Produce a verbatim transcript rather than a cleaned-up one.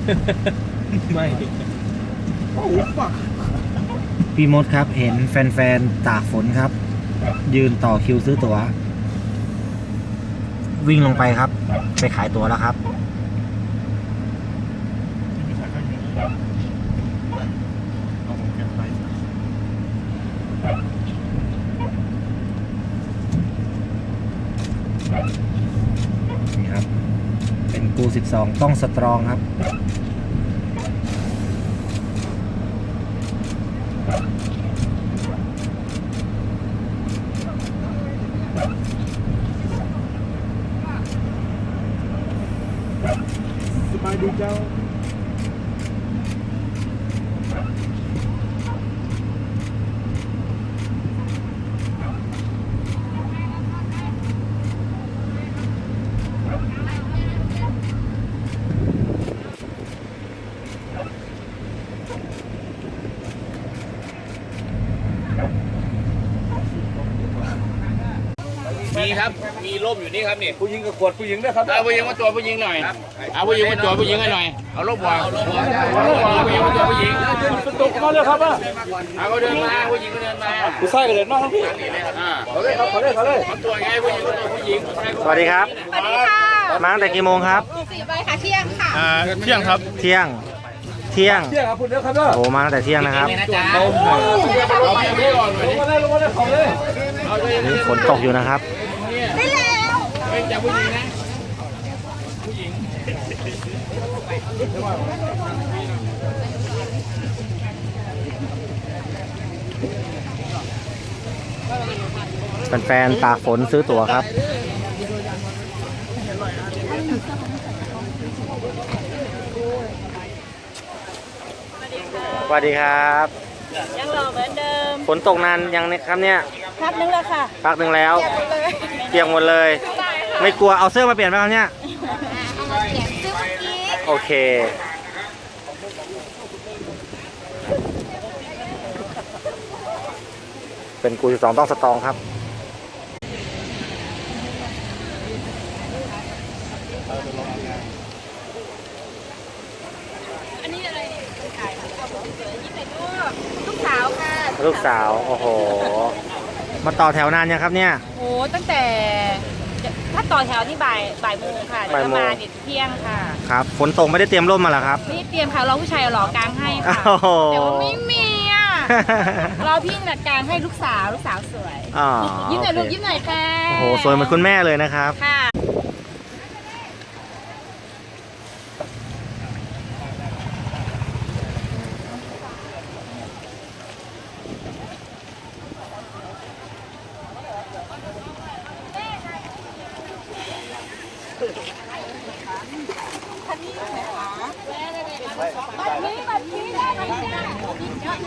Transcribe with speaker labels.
Speaker 1: ไม่โอ้ปัก
Speaker 2: พี่มดครับเห็นแฟนๆตากฝนครับ ยืนต่อคิวซื้อตั๋ววิ่งลงไปครับ ไปขายตั๋วแล้วครับนี่ครับเป็นกูสิบสองต้องสตรองครับ
Speaker 1: สบายดีเจ้า
Speaker 3: มีครับ มีร่มอยู่นี่ครับนี่
Speaker 1: ผู้หญิงกับขวดผู้หญิงนะครับ
Speaker 3: เอาผู้หญิงมาตัวผู้หญิงหน่อยเอาผู้หญิงมาตัวผู้หญิงให้หน่อย เอาร่มวางเอาผู้หญิงมาตัวผู้หญิง
Speaker 1: ตกมาเลยครับอ่ะ
Speaker 3: เอาเขาเดินมาผู้หญิงก็เดินมา
Speaker 1: ผู้ชายก็เดินมาครับพี่
Speaker 3: อ่า
Speaker 1: เขาเลยครับเขาเลยเขาเลย
Speaker 3: เอาตัวไงผู้หญิงก็ตัวผู้หญิง
Speaker 2: สวัสดีครับ
Speaker 4: สวัสดีค่ะ
Speaker 2: มาตั้งแต่กี่โมงครับ
Speaker 4: สี่ใบค่ะเที่ยงค่ะ
Speaker 3: อ่าเที่ยงครับ
Speaker 2: เที่ยงเที่ยง
Speaker 1: เที่ยงครับคุณเด้อครับเด้อ
Speaker 2: โอ้มาตั้งแต่เที่ยงนะครับ
Speaker 3: นะจ๊ะเอาเอาไปไม่ก่อน
Speaker 1: ลงมาเลยลงมาเลยเขาเลย
Speaker 3: เอาเลย
Speaker 2: นี่ฝนตกอยู่นะครับ
Speaker 4: ได้แล้ว
Speaker 3: เป็นจากผู้หญิงนะ
Speaker 2: แฟนๆตากฝนซื้อตั๋วครับ สวัสดีครับ
Speaker 4: ยังรอเหมือนเดิม
Speaker 2: ฝนตกนานยังเนี่ยครับเนี่ย
Speaker 4: พักนึงแล้วค่ะ
Speaker 2: พักหนึ่งแล้ว
Speaker 4: เก็บเลย
Speaker 2: เปียกหมดเลย
Speaker 4: ได้ค่ะ
Speaker 2: ไม่กลัวเอาเสื้อมาเปลี่ยนไหมครับเนี่ย
Speaker 4: เอามาเปลี่ยนซื้อเมื่อกี้
Speaker 2: โอเค เป็นกูสิบสองต้องสตรองครับ
Speaker 4: อันนี้อะไรเนี่ยขายเอาของเสือยิ้มหน่อยลูกลูกสาวค่ะ
Speaker 2: ลูกสาว โอ้โห มาต่อแถวนานยังครับเนี่ย
Speaker 4: โอ้ตั้งแต่ถ้าต่อแถวที่บ่ายบ่ายโมงค่ะเดี๋ยว
Speaker 2: บ่ายโมง
Speaker 4: มาเนี่ยเที่ยงค่ะ
Speaker 2: ครับ ฝนตกไม่ได้เตรียมร่มมาเหรอครับ
Speaker 4: นี่เตรียมค่ะรอผู้ชายเอาหล่อกลางให้ค่ะ
Speaker 2: โอ้โห
Speaker 4: แต่ว่าไม่มีอ่ะ รอพี่จัดการให้ลูกสาวลูกสาวสวย
Speaker 2: อ๋อ
Speaker 4: ยิ้มหน่อยลูก
Speaker 2: โอเค
Speaker 4: ยิ้มหน่อยค่ะ
Speaker 2: โอ้โห สวยเหมือนคุณแม่เลยนะครับ
Speaker 4: ค่ะ